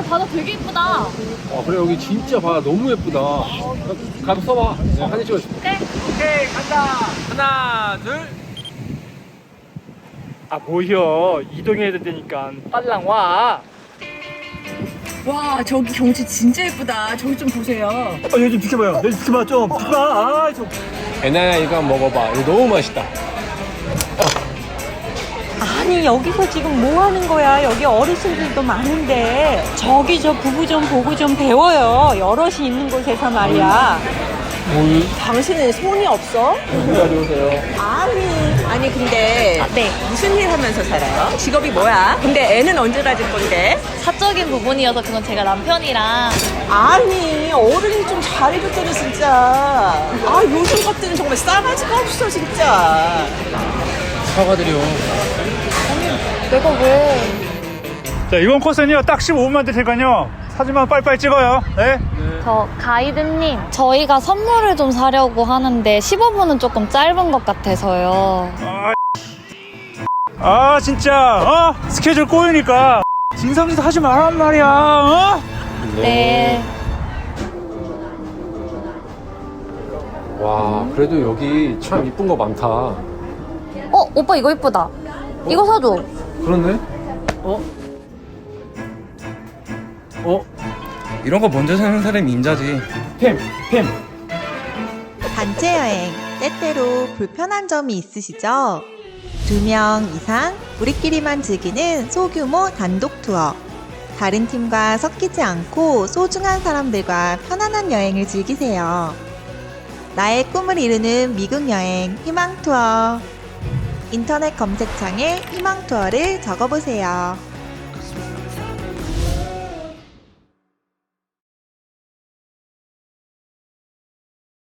바다 되게 예쁘다. 아 그래 여기 진짜 바다 너무 예쁘다. 가서 써봐. 내가 사진 찍어줄게. 오케이 간다. 하나 둘. 아 뭐여 이동해야 된다니까 빨랑 와. 와 저기 경치 진짜 예쁘다. 저기 좀 보세요. 얘 좀 비켜봐요. 얘 좀 비켜봐 좀 비켜봐. 아 좀. 애나야 이거 한번 먹어봐. 이거 너무 맛있다. 아니 여기서 지금 뭐 하는 거야? 여기 어르신들도 많은데 저기 저 부부 좀 보고 좀 배워요. 여럿이 있는 곳에서 말이야. 당신은 손이 없어? 가져오세요. 아니 근데 네. 무슨 일 하면서 살아요? 직업이 뭐야? 근데 애는 언제 가질 건데? 사적인 부분이어서 그건 제가 남편이랑. 아니 어른이 좀 잘해줬더니 진짜. 아 요즘 것들은 정말 싸가지가 없어 진짜. 사과드려. 내가 왜? 자 이번 코스는요 딱 15분만 될 테니까요 사진만 빨리빨리 찍어요. 네. 저 가이드님, 저희가 선물을 좀 사려고 하는데 15분은 조금 짧은 것 같아서요. 아 진짜 스케줄 꼬이니까 진상짓 하지 말란 말이야. 네. 와 그래도 여기 참 이쁜 거 많다. 오빠 이거 이쁘다. 이거 사줘. 그렇네. 이런 거 먼저 사는 사람이 인자지. 템. 단체 여행, 때때로 불편한 점이 있으시죠? 2명 이상 우리끼리만 즐기는 소규모 단독 투어. 다른 팀과 섞이지 않고 소중한 사람들과 편안한 여행을 즐기세요. 나의 꿈을 이루는 미국 여행 희망 투어. 인터넷 검색창에 희망 투어를 적어보세요.